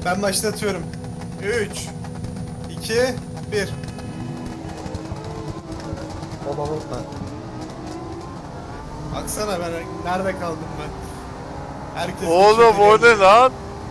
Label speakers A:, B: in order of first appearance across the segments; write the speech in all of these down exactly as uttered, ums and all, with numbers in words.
A: Ben başlatıyorum. üç, iki, bir.
B: Baba baba.
A: Baksana ben nerede kaldım ben? Herkes
C: Oğlum o ne lan?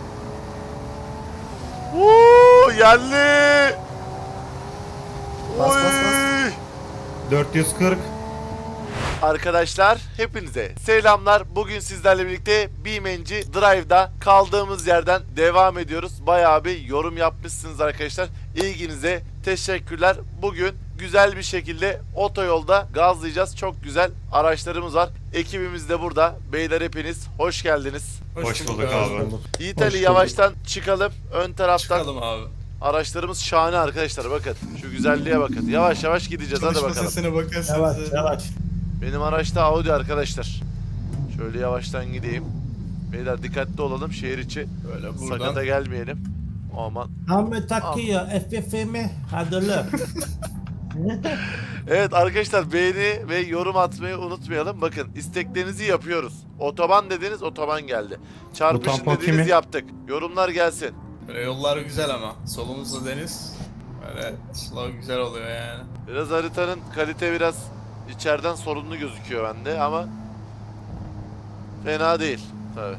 C: Uuu yerli.
B: Bas, bas, bas.
C: Oy!
D: dört yüz kırk.
C: Arkadaşlar hepinize selamlar. Bugün sizlerle birlikte BeamNG Drive'da kaldığımız yerden devam ediyoruz. Bayağı bir yorum yapmışsınız arkadaşlar. İlginize teşekkürler. Bugün güzel bir şekilde otoyolda gazlayacağız. Çok güzel araçlarımız var. Ekibimiz de burada. Beyler hepiniz hoş geldiniz.
D: Hoş bulduk abi.
C: Yiğit
D: Hoş
C: Ali
D: bulduk.
C: yavaştan çıkalım. Ön taraftan.
A: Çıkalım abi.
C: Araçlarımız şahane arkadaşlar, bakın. Şu güzelliğe bakın. Yavaş yavaş gideceğiz, hadi
A: Çalışma
C: bakalım.
A: sesine bakasınız.
B: Yavaş yavaş.
C: Benim araçta Audi arkadaşlar. Şöyle yavaştan gideyim. Beyler dikkatli olalım şehir içi.
A: Böyle buradan.
C: Sakata gelmeyelim. Aman.
E: Ahmet takıyor F F M hadi lan.
C: Evet arkadaşlar, beğeni ve yorum atmayı unutmayalım. Bakın isteklerinizi yapıyoruz. Otoban dediniz, otoban geldi. Çarpışın
D: tampon
C: dediniz,
D: kimin?
C: yaptık. Yorumlar gelsin.
A: Böyle yollar güzel ama. Solumuzda deniz. Böyle slow güzel oluyor yani.
C: Biraz haritanın kalite biraz içeriden sorunlu gözüküyor bende ama fena değil tabii.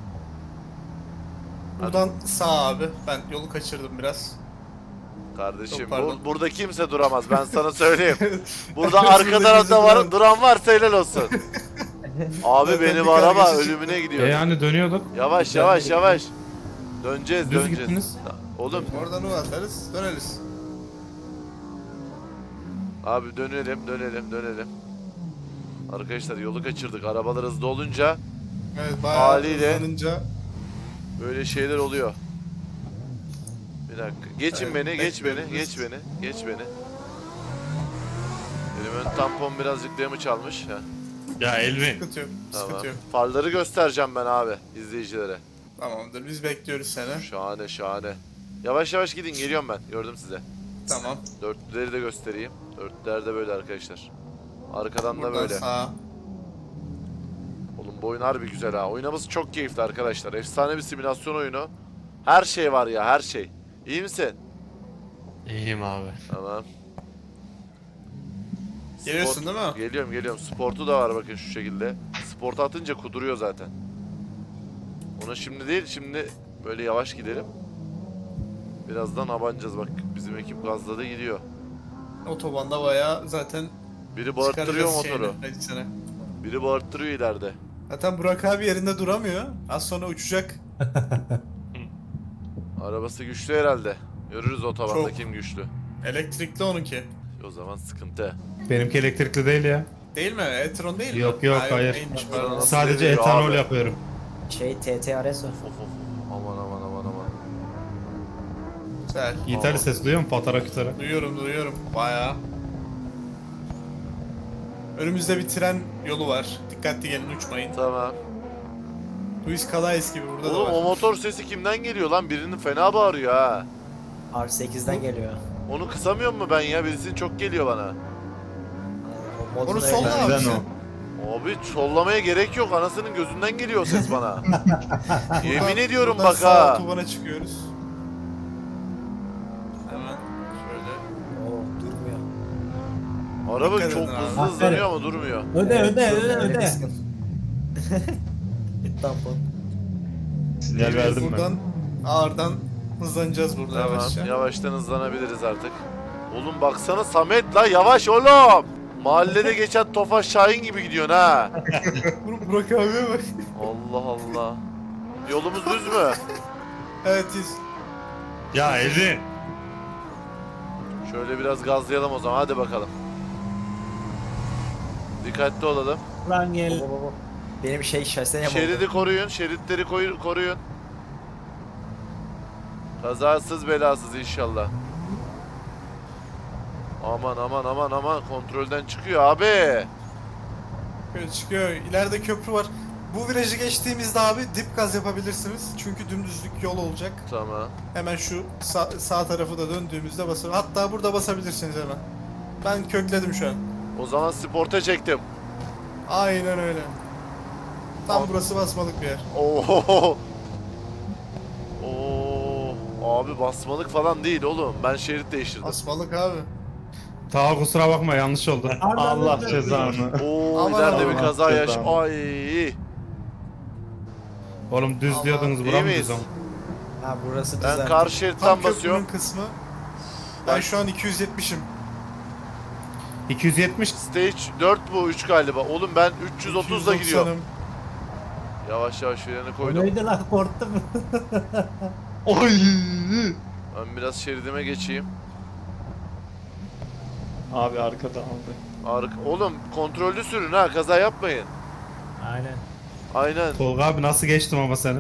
A: Buradan sağ abi. Ben yolu kaçırdım biraz.
C: Kardeşim
A: Çok pardon.
C: bu, burada kimse duramaz, ben sana söyleyeyim. Burada
A: Gözümüzde
C: arka tarafta var,
A: duran.
C: duran varsa helal olsun. Abi
A: Zaten
C: benim
A: bir
C: araba
A: kargaşa
C: ölümüne
D: E
C: gidiyor.
D: yani dönüyorduk.
C: Yavaş yavaş yavaş. Döneceğiz
D: Düz
C: döneceğiz.
D: gittiniz.
C: Oğlum
A: Oradan U atarız. Döneriz.
C: abi dönelim dönelim dönelim. Arkadaşlar yolu kaçırdık. Arabalar hızlı olunca
A: Evet bayağı
C: Haliyle.
A: hızlanınca.
C: böyle şeyler oluyor. Bir dakika. Geçin
A: Evet,
C: beni, geç beni,
A: bekliyoruz.
C: geç beni, geç beni. Benim ön tampon birazcık damage almış. Ha,
D: Ya Elmi.
A: Sıkıntı yok.
C: tamam.
A: Sıkıntı yok.
C: Farları göstereceğim ben abi izleyicilere.
A: Tamamdır. Biz bekliyoruz seni.
C: Şahane şahane. Yavaş yavaş gidin, geliyorum ben. Gördüm size.
A: Tamam.
C: Dörtlüleri de göstereyim. Dörtlüler de böyle arkadaşlar. Arkadan da
A: Buradan
C: böyle.
A: sağa.
C: Oğlum bu oyun harbi güzel ha. Oynaması çok keyifli arkadaşlar. Efsane bir simülasyon oyunu. Her şey var ya, her şey. İyi misin?
D: İyiyim abi.
C: Tamam.
A: Geliyorsun
C: Sport-
A: değil mi?
C: Geliyorum geliyorum. Sportu da var bakın şu şekilde. Sportu atınca kuduruyor zaten. Ona şimdi değil, şimdi böyle yavaş gidelim. Birazdan abanacağız bak. Bizim ekip gazladı gidiyor.
A: Otobanda bayağı zaten
C: Biri bağırttırıyor
A: çıkaracağız
C: motoru.
A: şeyini, hadi sana.
C: Biri bağırttırıyor ileride.
A: Zaten Burak abi yerinde duramıyor. Az sonra uçacak.
C: Arabası güçlü herhalde. Görürüz otobanda
A: Çok.
C: kim güçlü.
A: Elektrikli onunki.
C: O zaman sıkıntı.
D: Benimki elektrikli değil ya.
A: Değil mi? E-tron değil mi?
D: Yok, yok,
A: Ha,
D: hayır.
A: neymiş,
C: Nasıl
A: pardon.
D: Sadece
C: değil
D: etanol
C: abi?
D: yapıyorum.
B: Şey T T R S o.
C: Of of. Aman aman aman aman.
A: Güzel.
D: Yiğitali ses duyuyor musun? Patara kütara.
A: Duyuyorum duyuyorum. Bayağı. Önümüzde bir tren yolu var. Dikkatli gelin uçmayın.
C: Tamam.
A: Luis Calais gibi burada
C: Oğlum
A: da
C: o
A: var.
C: motor sesi kimden geliyor lan? Birinin fena bağırıyor ha.
B: R sekizden geliyor.
C: Onu kısamıyor mu ben ya? Birisinin çok geliyor bana.
B: O modun
A: Onu
B: öyle.
A: solla abi
D: Neden
A: sen.
D: o?
C: Abi sollamaya gerek yok. Anasının gözünden geliyor o ses bana. Yemin
A: Buradan-
C: ediyorum
A: buradan
C: bak
A: sağ
C: ha.
A: otobana çıkıyoruz. Hemen şöyle.
B: Oo durmuyor.
C: Araba
A: Dikkat
C: çok
A: edin abi.
C: hızlı hızlanıyor ama durmuyor.
E: Öde öde öde
B: Öyle
E: öde.
B: kıskın. Tampon.
D: Sinyal verdim ben.
A: Buradan ağırdan hızlanacağız burada
C: Tamam.
A: yavaşça.
C: Yavaştan hızlanabiliriz artık. Oğlum baksana Samet la, yavaş oğlum. Mahallede geçen Tofaş Şahin gibi gidiyorsun ha.
A: Bur- Burak abiye bak.
C: Allah Allah. Yolumuz düz mü?
A: Evet iz.
D: Ya Elmi.
C: Şöyle biraz gazlayalım o zaman, hadi bakalım. Dikkatli olalım.
E: Lan gel.
B: Baba baba. Benim şey şahsen yamuldu.
C: Şeridi koruyun, şeritleri koy- koruyun. Kazasız belasız inşallah. Aman aman aman aman, kontrolden çıkıyor abi.
A: Böyle çıkıyor. İleride köprü var. Bu virajı geçtiğimizde abi dip gaz yapabilirsiniz. Çünkü dümdüzlük yol olacak.
C: Tamam.
A: Hemen şu sağ, sağ tarafı da döndüğümüzde basın. Hatta burada basabilirsiniz hemen. Ben kökledim şu an.
C: O zaman sporta çektim.
A: Aynen öyle. Tam
C: Al.
A: burası basmalık bir yer.
C: Oo. Oo. Abi basmalık falan değil oğlum. Ben şerit değiştirdim.
A: Asmalık abi.
D: Ta kusura bakma yanlış oldu.
E: Allah
D: cezanı.
C: Oo
A: Aman
C: ileride
A: Allah.
C: bir kaza yaş.
D: Cezanı.
C: Ay.
D: Oğlum düz
A: Aman.
D: diyordunuz
C: İyi
D: buram
C: miyiz?
D: düz ama.
B: Ha burası
C: Ben
B: düzen.
C: karşı şeritten
A: Tam
C: basıyorum.
A: köprünün kısmı. Ben şu an iki yüz yetmişim.
D: iki yüz yetmiş.
C: Stage dört bu üç galiba. Oğlum ben üç yüz otuzla gidiyorum.
A: doksanım.
C: Yavaş yavaş freni
E: O
C: koydum.
E: neydi lan korktum.
D: Oy.
C: Ben biraz şeridime geçeyim.
D: Abi arkada aldı.
C: Arka... Oğlum kontrollü sürün ha, kaza yapmayın.
E: Aynen.
C: Aynen.
D: Tolga abi nasıl geçtim ama seni?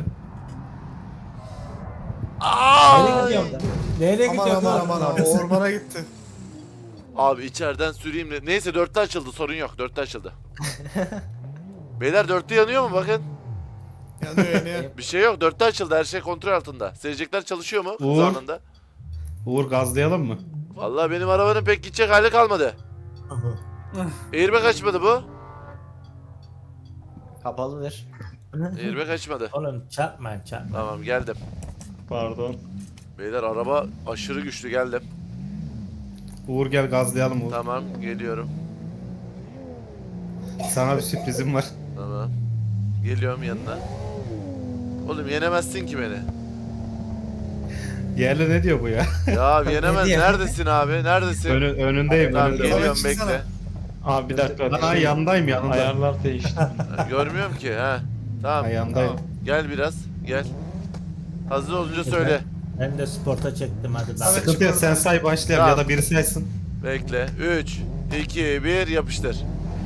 E: Nereye
C: Ay!
E: gidiyorsun da? Nereye
A: Aman
E: gidiyorsun?
A: aman aman aman. Ormana gitti.
C: Abi içeriden süreyim de. Neyse dörtte açıldı, sorun yok. Dörtte açıldı. Beyler dörtte yanıyor mu bakın?
A: Yanıyor yanıyor.
C: Bir şey yok, dörtte açıldı, her şey kontrol altında. Seyirciler çalışıyor mu hız
D: Uğur.
C: anında?
D: Uğur gazlayalım mı?
C: Vallahi benim arabanın pek gidecek hali kalmadı. Airbag açmadı bu.
B: Kapalıdır.
C: Airbag açmadı.
E: Oğlum çarpmayın çarpmayın.
C: Tamam geldim.
D: Pardon.
C: Beyler araba aşırı güçlü, geldim.
D: Uğur gel gazlayalım Uğur.
C: Tamam geliyorum.
D: Sana bir sürprizim var.
C: Tamam. Geliyorum yanına. Oğlum yenemezsin ki beni.
D: Yerli ne diyor bu ya?
C: Ya yenemez.
B: diyor?
C: Neredesin abi? Neredesin?
D: Önü, önündeyim
C: Tamam
D: önündeyim.
C: geliyorum
A: Çıksana.
C: bekle.
F: Abi bir dakika.
D: Aa yanındayım yanında.
F: Ayarlar değişti.
C: Ha, görmüyorum ki ha. Tamam.
D: Ayağındayım.
C: Gel biraz. Gel. Hazır olunca söyle.
E: Ben de sporta çektim hadi bak.
A: Evet.
D: Sıkıntı yok sen say başlayalım
C: Tamam.
D: ya da biri saysın.
C: Bekle. üç, iki, bir yapıştır.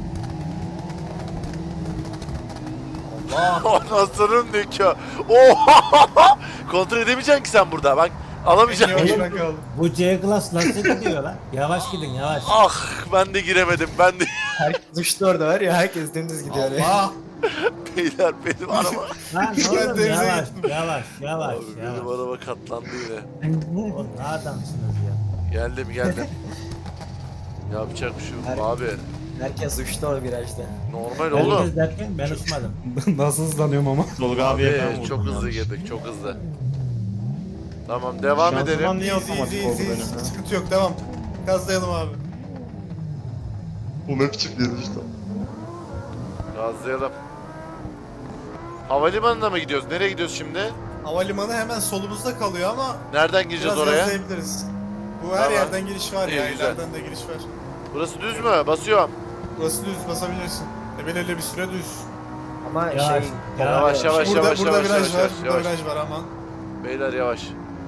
C: Allah. Anasının nikahı. Oha! Kontrol edemeyeceksin ki sen burada. Bak
A: En
C: alamayacaksın.
A: yavaş ben kaldım.
E: Bu C-Class nasıl gidiyor lan? Yavaş gidin yavaş.
C: Ah ben de giremedim. Ben de.
B: Herkes uçtu orada var ya herkes dümdüz gidiyor.
A: Allah.
C: Beyler benim araba.
E: Lan
A: Ben
E: oğlum
A: denize
E: yavaş
A: gittim.
E: yavaş yavaş
C: Abi benim
E: yavaş.
C: araba katlandı yine.
E: Oğlum ne adamsınız ya.
C: Geldim geldim. Yapacak bir şey yok abi.
B: Herkes uçtu o virajda.
C: Normal oğlum.
E: Herkes derken ben uçmadım.
D: Nasıl hızlanıyorum ama.
F: Tolga abiye ben
C: Abi
F: vurdum.
C: çok hızlı
F: yanlış.
C: girdik, çok hızlı. Tamam devam
F: Şanzıman
C: edelim.
F: niye
A: Easy
F: otomatik
A: easy
F: oldu
A: easy.
F: benim ya?
A: Sıkıntı yok devam. Gazlayalım abi.
F: Bu ne biçim bir işte.
C: Gazlayalım. Havalimanına mı gidiyoruz? Nereye gidiyoruz şimdi?
A: Havalimanı hemen solumuzda kalıyor ama
C: Nereden gireceğiz
A: biraz
C: oraya?
A: gazlayabiliriz. Bu her
C: Tamam.
A: yerden giriş var ya.
C: İyi, güzel.
A: İleriden de giriş var.
C: Burası düz mü? Basıyorum.
A: Burası düz basabilirsin. E belirli bir süre düz.
B: Ama
E: Yavaş,
B: şey...
C: Yavaş yavaş
A: burada
C: yavaş
A: burada
C: yavaş
A: viraj
C: yavaş
A: var.
C: yavaş.
A: Burada
C: yavaş.
A: viraj var aman.
C: Beyler yavaş.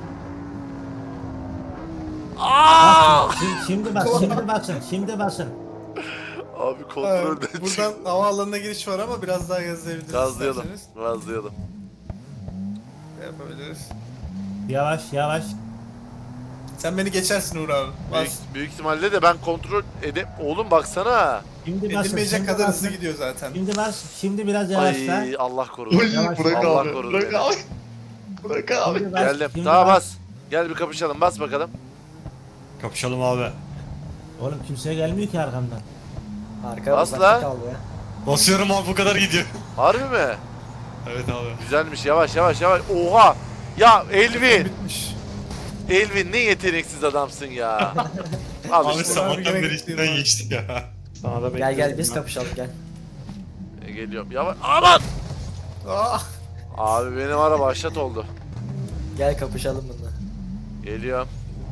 C: Aa!
E: Şimdi, şimdi bak şimdi basın şimdi basın.
C: Abi
A: Evet,
C: kontrolden çık.
A: buradan havaalanına giriş var ama biraz daha gazlayabiliriz.
C: Gazlayalım.
A: isterseniz.
C: Gazlayalım.
A: Yapabiliriz.
E: Yavaş yavaş.
A: Sen beni geçersin Uğur abi. Bas.
C: Büyük, büyük ihtimalle de ben kontrol edip... Oğlum baksana.
E: Şimdi basın.
A: Edilmeyecek
E: şimdi
A: kadar
E: basın.
A: hızlı gidiyor zaten.
E: Şimdi bas. Şimdi biraz yavaşla.
C: Ay Allah korusun.
F: Oy
E: Yavaş,
F: bırak
C: Allah
F: abi.
C: korudu
F: Bırak
C: beni.
F: abi. Bırak abi.
E: Şimdi bas,
C: Geldim.
E: şimdi
C: Daha bas. Gel bir kapışalım. Bas bakalım.
D: Kapışalım abi.
E: Oğlum kimse gelmiyor ki arkamdan.
B: Arka
C: Bas
B: uzakta
C: la.
B: kaldı ya.
D: Basıyorum abi bu kadar gidiyor.
C: Harbi mi?
D: Evet abi.
C: Güzelmiş. Yavaş yavaş yavaş. Oha. Ya Elvin.
A: Bitmiş.
C: Elvin ne yeteneksiz adamsın ya. Al
D: Abi
C: işte.
D: sabahtan
A: gene
D: beri
A: gitti
D: içinden
A: ya.
D: geçtik ya.
F: Sana da
B: Gel gel
F: bekliyorum
B: biz
F: ben.
B: kapışalım gel.
C: E, Geliyorum. Yavaş. Aman.
A: Ah.
C: Abi benim araba aşat oldu.
B: Gel kapışalım bununla.
C: Geliyorum.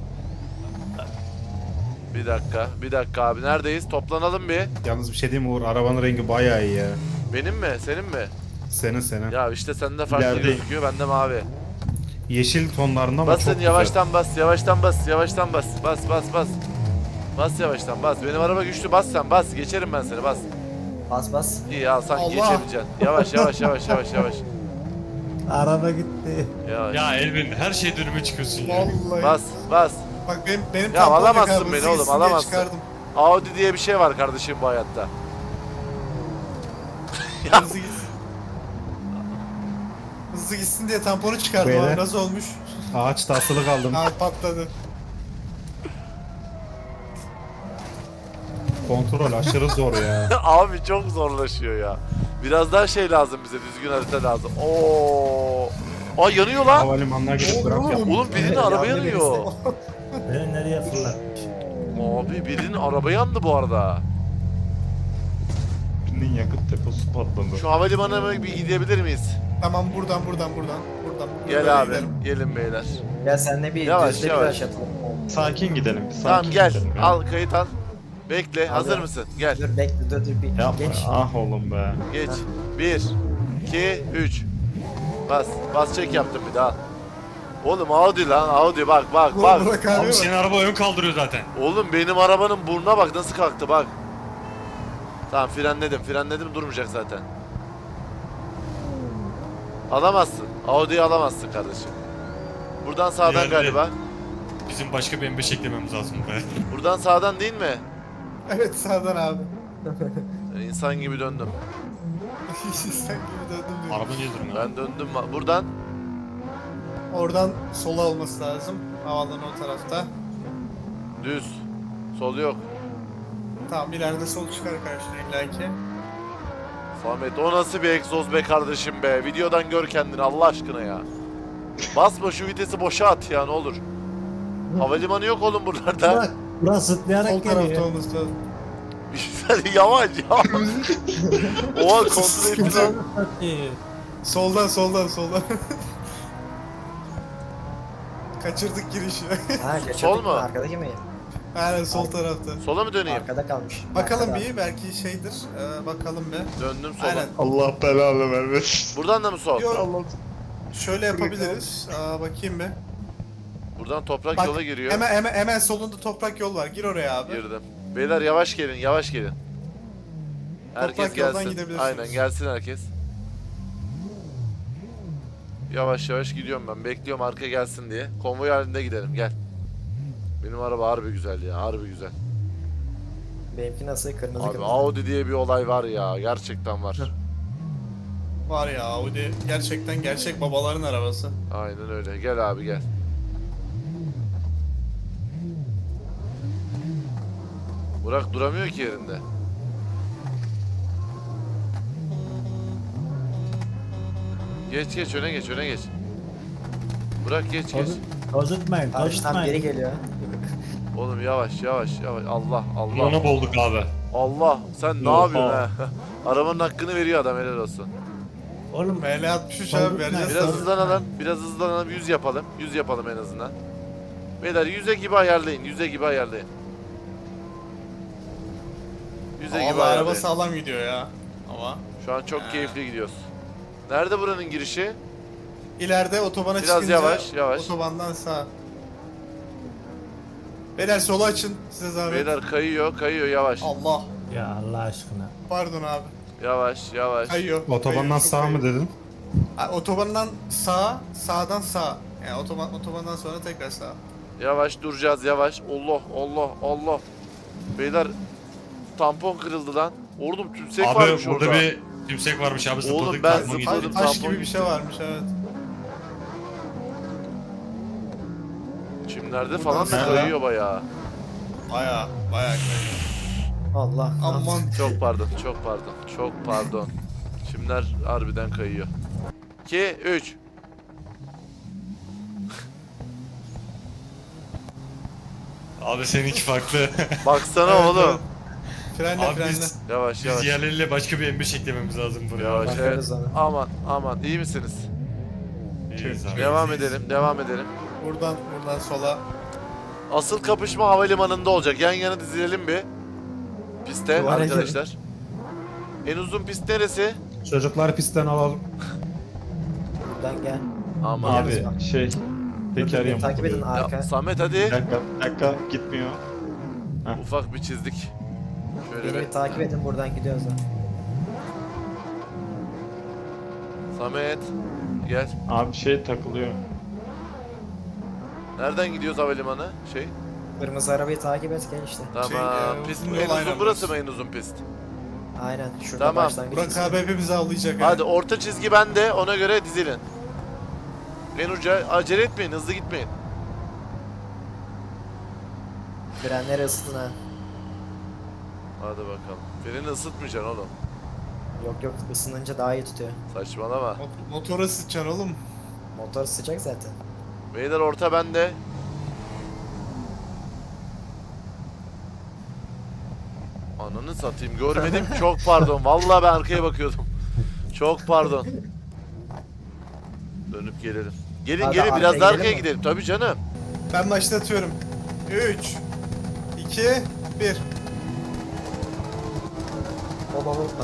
C: Bir dakika. Bir dakika abi. Neredeyiz? Toplanalım bir.
D: Yalnız bir şey diyeyim mi Uğur? Arabanın rengi bayağı iyi ya.
C: Benim mi? Senin mi?
D: Senin senin.
C: Ya işte sende farklı
D: İlerideyim.
C: gözüküyor. Bende mavi.
D: Yeşil tonlarında ama
C: Basın
D: çok
C: yavaştan bas. Yavaştan bas. Yavaştan bas. Bas bas bas. Bas yavaştan bas. Benim araba güçlü. Bas sen bas. Geçerim ben seni. Bas.
B: Bas bas.
C: İyi al sanki
A: Allah.
C: geçemeyeceksin. Yavaş yavaş yavaş yavaş yavaş.
E: Araba gitti.
C: Yavaş.
D: Ya Elvin her şey dönüme çıkıyorsun ya.
A: Vallahi.
C: Bas bas.
A: Bak benim benim
C: Ya
A: tampon yok
C: alamazsın
A: abi,
C: beni
A: hızlı
C: oğlum,
A: gitsin diye
C: alamazsın.
A: çıkardım.
C: Audi diye bir şey var kardeşim bu hayatta.
A: Hızlı gitsin. Hızlı gitsin diye tamponu çıkardım
D: Beyler.
A: abi. Nasıl olmuş?
D: Ağaçta asılı kaldım.
A: Abi patladı.
D: Kontrol aşırı zor ya.
C: Abi çok zorlaşıyor ya. Biraz daha şey lazım bize. Düzgün harita lazım. Oo. Aa yanıyor lan.
D: Havalimanına gidip bırak yap.
C: Oğlum birinin araba
B: Yandı
C: yanıyor.
E: Beni nereye fırlatmış?
C: Abi birinin araba yandı bu arada.
F: Birinin yakıt deposu patladı.
C: Şu havalimanına bir gidebilir miyiz?
A: Tamam buradan buradan buradan. Buradan.
C: Gel
A: Buradan
C: abi.
A: gidelim.
C: Gelin beyler.
B: Gel senle bir
C: Yavaş,
B: düzde bir
C: yavaş.
B: aş atalım.
F: Sakin gidelim. Bir sakin
C: Tamam gel.
F: gidelim ya.
C: Al kayıt al. Bekle. Hazır
B: Alıyorum.
C: mısın? Gel.
B: Dur bekle dur dur bir
F: Yapma.
B: geç.
F: Ah oğlum be.
C: Geç. Bir, iki, üç. Bas. Bas çek yaptım bir daha. Oğlum Audi lan Audi bak bak
A: Ulan
C: bak.
A: Burak abi
D: Abi
A: bak.
D: senin araba ön kaldırıyor zaten.
C: Oğlum benim arabanın burnuna bak nasıl kalktı bak. Tamam frenledim frenledim durmayacak zaten. Alamazsın. Audi'yi alamazsın kardeşim. Buradan sağdan
D: Diğerleri-
C: galiba.
D: Bizim başka bir M beş eklememiz lazım buraya.
C: Buradan sağdan değil mi?
A: Evet sağdan abi.
C: İnsan gibi döndüm.
A: Sen gibi döndüm diyor.
D: Araba niye durmuyor?
C: Ben döndüm. Buradan
A: Oradan sola olması lazım. Havaalanı o tarafta.
C: düz. Sol yok.
A: Tamam ileride sol çıkar karşına illaki.
C: Samet o nasıl bir egzoz be kardeşim be. Videodan gör kendini Allah aşkına ya. Basma şu vitesi boşa at ya ne olur. Havalimanı yok oğlum buralarda.
E: Bak burası zıplayarak
A: Sol tarafta
E: geliyor.
A: olması lazım.
C: Sen yavaş yavaş. Oha kontrol ettim.
E: Satayım.
A: Soldan soldan soldan. Kaçırdık girişi.
B: Ha kaçırdık
C: Sol
B: mı?
C: mu?
B: Arkadaki mi?
A: Aynen sol tarafta.
C: Sola mı döneyim?
B: Arkada kalmış.
A: Bakalım
B: Arkada.
A: bir belki şeydir. Ee, bakalım bir.
C: Döndüm sola.
A: Aynen.
F: Allah belanı vermesin.
C: Buradan da mı sol?
A: Yok.
F: Allah.
A: Şöyle yapabiliriz. Aa, bakayım bir.
C: Buradan toprak
A: Bak,
C: yola giriyor.
A: Hemen, hemen hemen solunda toprak yol var. Gir oraya abi.
C: Girdim. Beyler yavaş gelin yavaş gelin. Herkes
A: Toprak yoldan
C: gelsin.
A: gidebilirsiniz.
C: Aynen gelsin herkes. Yavaş yavaş gidiyorum ben. Bekliyorum arka gelsin diye. Konvoy halinde gidelim gel. Benim araba harbi güzel ya harbi güzel.
B: Benimki nasıl? Kırmızı
C: Abi
B: kırmızı.
C: Audi diye bir olay var ya gerçekten var.
A: Var ya Audi gerçekten gerçek babaların arabası.
C: Aynen öyle. Gel abi gel. Burak duramıyor ki yerinde. Geç geç öne geç öne geç. Burak geç geç.
E: Toz- Tozutmayın,
B: Karşıdan biri
E: tozutmayın.
B: geliyor.
C: Oğlum yavaş yavaş yavaş. Allah Allah.
D: Kulağına boğulduk abi.
C: Allah sen ne
F: Oha.
C: yapıyorsun ha? Arabanın hakkını veriyor adam helal olsun.
E: Oğlum
A: M L altmış üç
E: Tabii,
A: abi vereceğiz.
C: Biraz
E: Tabii.
C: hızlanalım. Biraz hızlanalım. yüz yapalım. yüz yapalım en azından. Beyler yüze gibi ayarlayın. yüze gibi ayarlayın. yüze gibi
A: Allah araba
C: ayarlayın.
A: sağlam gidiyor ya. Ama
C: Şu an çok keyifli gidiyoruz. Nerede buranın girişi?
A: ileride otobana
C: Biraz
A: çıkınca
C: yavaş, yavaş.
A: otobandan sağ. Beyler solu açın size zahmet.
C: Beyler kayıyor, kayıyor yavaş.
A: Allah.
E: ya Allah aşkına.
A: Pardon abi.
C: Yavaş, yavaş.
A: Kayıyor.
D: Otobandan
A: Kayıyor, çok
D: sağ mı
A: kayıyor.
D: dedin?
A: Ha, otobandan sağ, sağdan sağ. Yani otoban otobandan sonra tekrar sağ.
C: Yavaş duracağız, yavaş. Allah, Allah, Allah. Beyler tampon kırıldı lan. Oğlum tümsek
D: Abi
C: varmış
D: burada
C: orada.
D: bir tümsek varmış abi zıpladık.
C: Oğlum ben
D: tampon
C: zıpladım.
D: gitti.
A: Taş, taş
C: tampon
A: gibi bir şey
C: gitti.
A: varmış evet.
C: Çimlerde falan da
A: Buradan
C: kayıyor bayağı.
A: Baya baya kayıyor.
B: Allah.
A: Aman.
C: Çok pardon, çok pardon, çok pardon. Çimler harbiden kayıyor. iki, üç.
D: Abi seninki farklı.
C: Baksana
A: Evet,
C: oğlum.
A: evet. Frenle
D: Abi
A: frenle.
D: biz,
C: Yavaş
D: biz
C: yavaş.
D: diğerleriyle başka bir M beş eklememiz lazım buraya.
C: Yavaş evet.
B: Bakarız ona.
C: Aman aman iyi misiniz?
D: İyiyiz abi.
C: Devam edelim, devam edelim.
A: Buradan buradan sola.
C: Asıl kapışma havalimanında olacak. Yan yana dizilelim bir. Piste
B: Duvara
C: arkadaşlar. En uzun pist neresi?
D: Çocuklar pistten alalım.
B: Buradan gel.
C: Aman.
F: Abi şey. Teker
B: Beni takip edin
F: yamuk.
B: arka.
C: Ya, Samet
F: Bir
C: hadi.
F: dakika, bir dakika gitmiyor.
C: Ufak bir çizdik. Şöyle
B: Beni
C: bir.
B: bir takip edin buradan gidiyoruz da.
C: Samet. Gel.
F: Abi şey takılıyor.
C: Nereden gidiyoruz havalimanı? Şey.
B: Kırmızı arabayı takip et gel işte.
C: Tamam.
A: Şey, e,
C: pist
A: uzun
C: en
A: yol aynen
C: uzun burası mı
A: burası.
C: en uzun pist?
B: Aynen şurada
C: Tamam.
B: başlangıç.
A: Burak abi hepimizi avlayacak.
C: Hadi
A: ha.
C: orta çizgi bende. Ona göre dizilin. En uca acele etmeyin, hızlı gitmeyin.
B: Frenleri ısıtın ha.
C: Hadi bakalım. Freni ısıtmayacaksın oğlum.
B: Yok yok ısınınca daha iyi tutuyor.
C: Saçmalama.
A: Mot- Motora sıçacaksın oğlum.
B: Motor sıcak zaten.
C: Beyler orta bende. Ananı satayım görmedim. Çok pardon. Vallahi ben arkaya bakıyordum. Çok pardon. Dönüp gelelim. Gelin
B: Hadi
C: gelin
B: arkaya
C: biraz daha
B: gidelim
C: arkaya
B: mi?
C: gidelim. Tabii canım.
A: Ben başlatıyorum. üç, iki, bir.
B: Baba unutma.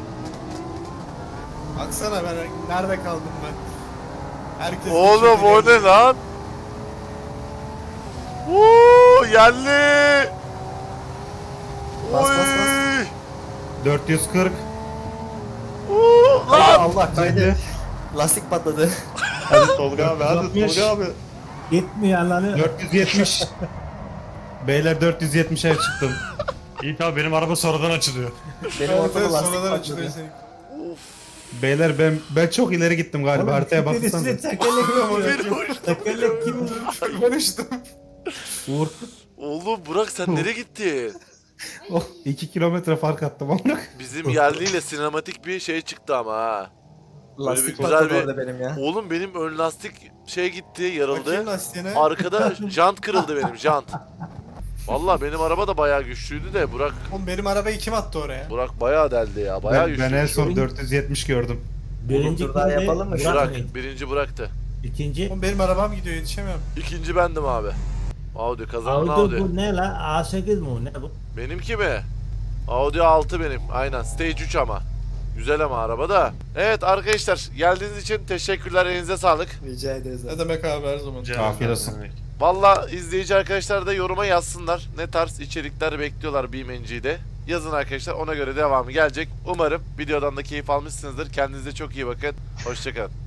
A: Baksana ben nerede kaldım ben? Herkes
C: Oğlum o ne lan? Uuu yerli.
B: Bas, bas,
C: Oy.
D: dört yüz kırk.
C: Uuu
B: Haydi
C: lan.
B: Allah kaydı. Lastik patladı.
F: Hadi Tolga abi hadi
E: Yapmış.
F: Tolga abi.
E: Gitmiyor lan.
D: dört yüz yetmiş. Beyler dört yüz yetmişe çıktım. İyi tabi benim araba sonradan açılıyor.
B: Benim
A: Evet,
B: ortada
A: evet,
B: lastik
A: sonradan
B: patladı.
A: açılıyor senin.
D: Beyler ben ben çok ileri gittim galiba. Haritaya baksanıza.
E: Birisini tekerlek
C: Beni
E: vuruyor.
C: vurdu.
E: Tekerlek kim vurur?
A: Konuştum.
D: Uğur.
C: Oğlum Burak sen nereye gittin?
D: Oh, iki kilometre fark attım ama.
C: Bizim yerliyle sinematik bir şey çıktı ama ha.
B: Lastik
C: güzel
B: patladı
C: bir-
B: orada benim ya.
C: Oğlum benim ön lastik şey gitti, yarıldı.
A: Bakayım lastiğine.
C: Arkada jant kırıldı benim, jant. Vallahi benim araba da bayağı güçlüydü de Burak
A: Oğlum benim arabayı kim attı oraya?
C: Burak bayağı deldi ya. Bayağı
D: Ben, ben en
C: güçlü.
D: son dört yüz yetmiş gördüm.
E: Birinci
B: Dur, daha
E: kimdi?
B: yapalım mı?
E: Burak
C: Burak
E: mıydı?
C: birinci Burak'tı.
E: İkinci.
A: Oğlum benim arabam gidiyor yetişemiyorum.
C: İkinci bendim abi. Audi kazanan Audi.
E: Audi bu ne la? A sekiz mi bu? Ne bu?
C: Benimki mi? Audi altı benim. Aynen. Stage üç ama. Güzel ama araba da. Evet arkadaşlar geldiğiniz için teşekkürler. Elinize sağlık.
B: Rica ederiz abi.
A: Ne demek abi her zaman.
D: Afiyet olsun.
C: Valla izleyici arkadaşlar da yoruma yazsınlar. Ne tarz içerikler bekliyorlar BeamNG'de. Yazın arkadaşlar, ona göre devamı gelecek. Umarım videodan da keyif almışsınızdır. Kendinize çok iyi bakın. Hoşçakalın.